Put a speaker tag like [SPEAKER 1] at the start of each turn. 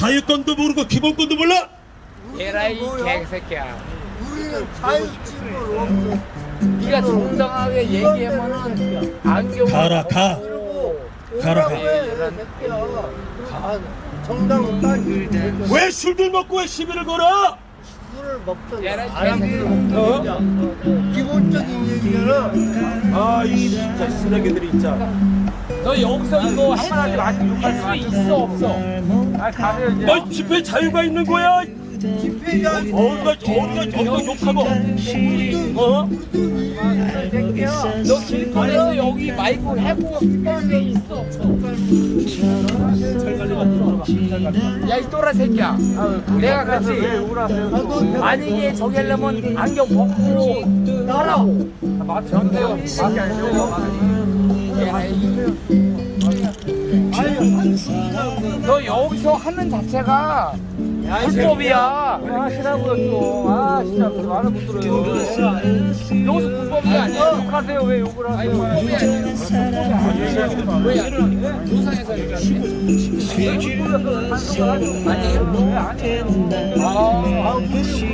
[SPEAKER 1] 자유권도 모르고 기본권도 몰라?
[SPEAKER 2] 에라이 개새끼야.
[SPEAKER 3] 우리는 자유집을 없어.
[SPEAKER 2] 네가 정당하게 얘기하면은 안경
[SPEAKER 1] 가라 가. 가라, 가.
[SPEAKER 3] 정당은 따지.
[SPEAKER 1] 왜 술들 먹고 왜 시비를 걸어?
[SPEAKER 3] 술을 먹든
[SPEAKER 2] 얘는
[SPEAKER 3] 안
[SPEAKER 2] 개새끼야.
[SPEAKER 3] 먹든 기본적인 얘기잖아.
[SPEAKER 1] 아이 진짜 쓰레기들이 진짜.
[SPEAKER 2] 너 여기서 이거 한마디 욕할 수 있어 없어? 아 가세요 이제.
[SPEAKER 1] 너 집회 자유가 있는 거야?
[SPEAKER 3] 집회가
[SPEAKER 1] 어디가 욕하고? 어?
[SPEAKER 2] 너 길거리에서 여기 마이크 해고 게 있어 없어? 야 이 또라 새끼야. 내가 그랬지. 만약에 저기 하려면 안경 벗고 하라고. 전대요. 너 여기서 하는 자체가 불법이야.
[SPEAKER 4] 하시라고요 좀. 아 진짜 말을 못 들어요.
[SPEAKER 2] 여기서 불법이 아니야.
[SPEAKER 4] 욕하세요 왜 욕을
[SPEAKER 2] 아니
[SPEAKER 4] 하세요?
[SPEAKER 2] 불법이 아니야. 왜 아니야? 조상에서 얘기하는데? 아니에요?
[SPEAKER 4] 아